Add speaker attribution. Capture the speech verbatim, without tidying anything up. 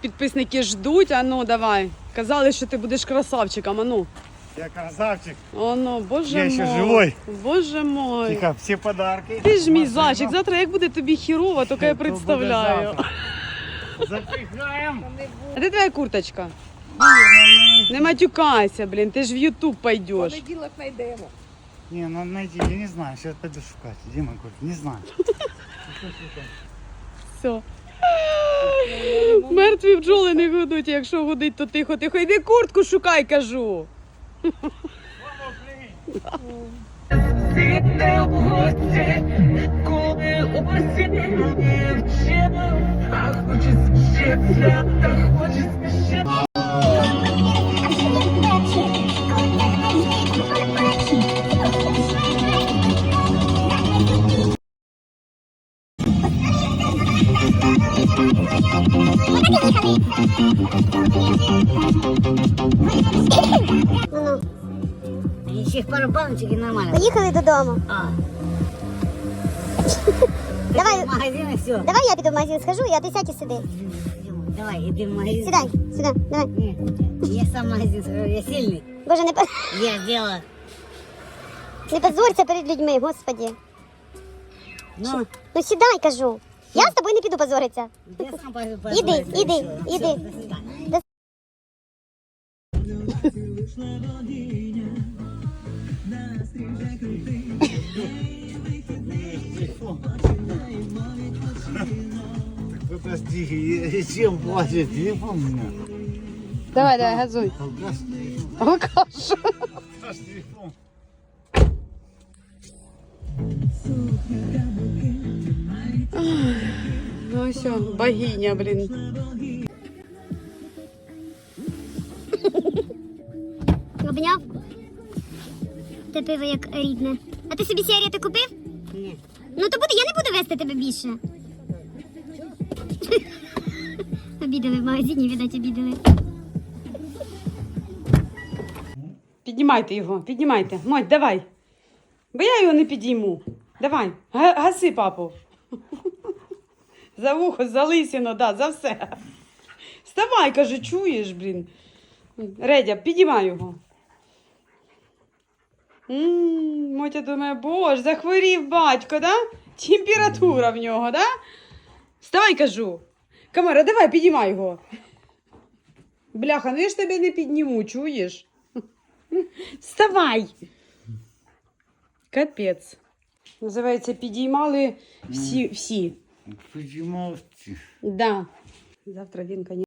Speaker 1: підписники ждуть. А ну, давай. Казали, що ти будеш красавчиком, а ну.
Speaker 2: Я красавчик.
Speaker 1: О, ну, боже
Speaker 2: Я
Speaker 1: мой.
Speaker 2: ще живой.
Speaker 1: Боже мой.
Speaker 2: Тихо, всі подарки.
Speaker 1: Ти ж мій
Speaker 2: Машина.
Speaker 1: зайчик. Завтра як буде тобі хірово, тільки я
Speaker 2: То буде
Speaker 1: представляю.
Speaker 2: завтра. Запихаємо.
Speaker 1: А де твоя курточка? Не матюкайся, блін, ти ж в Ютуб пойдеш.
Speaker 3: Понеділок знайдемо.
Speaker 2: Не, надо найти, я не знаю, сейчас пойду шукать. Где мой куртка? Не знаю.
Speaker 1: Все. Мертві бджоли не гудуть, якщо гудить, то тихо-тихо. Йди куртку шукай, кажу.
Speaker 4: Ну, ще пару баночок і нормально.
Speaker 5: Поїхали додому.
Speaker 4: А.
Speaker 5: Давай,
Speaker 4: В магазин і все.
Speaker 5: давай я піду в магазин схожу, а ти сядь і сиди.
Speaker 4: Давай, іди в магазин.
Speaker 5: Сідай, сюди, давай.
Speaker 4: Ні, я сам в магазин схожу, я сильний.
Speaker 5: Боже, не, по-
Speaker 4: Я сделала.
Speaker 5: не позорься перед людьми, господі.
Speaker 4: Ну,
Speaker 5: Ну сідай, кажу. Я з тобою не піду позоритися.
Speaker 4: я сам пойду.
Speaker 5: Іди, іди, іди.
Speaker 2: Так подожди, чем платит телефон у меня?
Speaker 1: Давай, давай, газуй.
Speaker 2: Алкаш,
Speaker 1: Алкаш.
Speaker 2: алкаш телефон.
Speaker 1: Ну все, богиня, блін.
Speaker 5: Обняв? Те пиво як рідне. А ти собі сигарети купив?
Speaker 4: Ні.
Speaker 5: Ну то буде, я не буду вести тебе більше. Обідали в магазині, видать, обідали.
Speaker 1: Піднімайте його, піднімайте. Моть, давай. Бо я його не підійму. Давай, га- гаси, папу. За вухо, за лисину, да, за все. Вставай, каже, чуєш, блін. Редя, підіймай його. М, Мотя думає, боже, захворів батько, да? Температура в нього, да? Вставай, кажу. Камера, давай, підіймай його. Бляха, ну я ж тебе не підніму, чуєш? Вставай! Капець. Називається, підіймали всі, всі.
Speaker 2: Почему?
Speaker 1: Да. Завтра він, конечно.